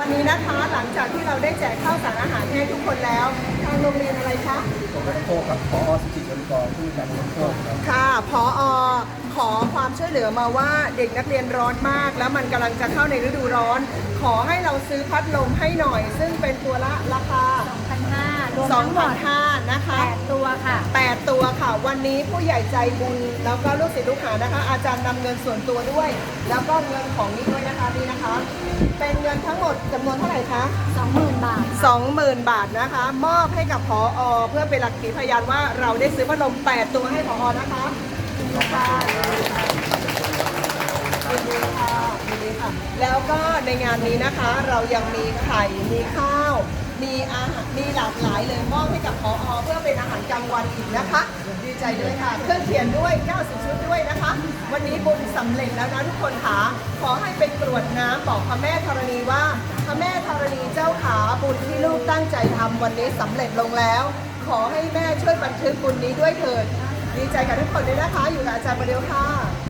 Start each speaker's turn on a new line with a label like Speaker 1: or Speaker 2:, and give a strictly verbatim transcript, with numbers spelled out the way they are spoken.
Speaker 1: วันนี้นะคะหลังจากที่เราได้แจกข้าวสารอาหารให้ทุกคนแล้วทางโรงเรียนอะไรคะ
Speaker 2: ผมก็ต้องโทษกับพอสิทธิชนกรผู้การลงโทษครับ
Speaker 1: ค่ะผอขอความช่วยเหลือมาว่าเด็กนักเรียนร้อนมาก แล้วมันกำลังจะเข้าในฤดูร้อน ขอให้เราซื้อพัดลมให้หน่อย ซึ่งเป็นตัวละราคา
Speaker 3: สองพันห้าร้อย รวม
Speaker 1: สอง
Speaker 3: ทั้งหม
Speaker 1: พัน
Speaker 3: ด
Speaker 1: ห้านะคะ
Speaker 3: แปดตัวค่ะ
Speaker 1: แปดตัวค่ะ วันนี้ผู้ใหญ่ใจบุญแล้วก็ลูกศิษย์ลูกหานะคะ อาจารย์นำเงินส่วนตัวด้วย แล้วก็เงินของนี้ด้วยนะคะนี่นะคะ เป็นเงินทั้งหมดจำนวนเท่าไหร่คะ
Speaker 3: สองหมื่น บาท
Speaker 1: สองหมื่น บาทนะคะ มอบให้กับผออเพื่อเป็นหลักฐานพยานว่าเราได้ซื้อพัดลมแปดตัวให้ผอนะคะค่ะยินดีค่ะยินดีค่ะ แล้วก็ในงานนี้นะคะ เรายังมีไข่มีข้าว มีอาหารมีหลากหลายเลยมอบให้กับผอเพื่อเป็นอาหารกลางวันอีกนะคะดีใจด้วยค่ะเครื่องเขียนด้วยเก้าสิบชุดด้วยนะคะ วันนี้บุญสำเร็จแล้วนะทุกคนค่ะขอให้เป็นกรวดน้ำบอกพระแม่ธรณีว่าพระแม่ธรณีเจ้าขาบุญที่ลูกตั้งใจทำวันนี้สำเร็จลงแล้ว ขอให้แม่ช่วยบันทึกบุญนี้ด้วยเถิดดีใจกับทุกคนด้วยนะคะอยู่กับอาจารย์ประเดียวค่ะ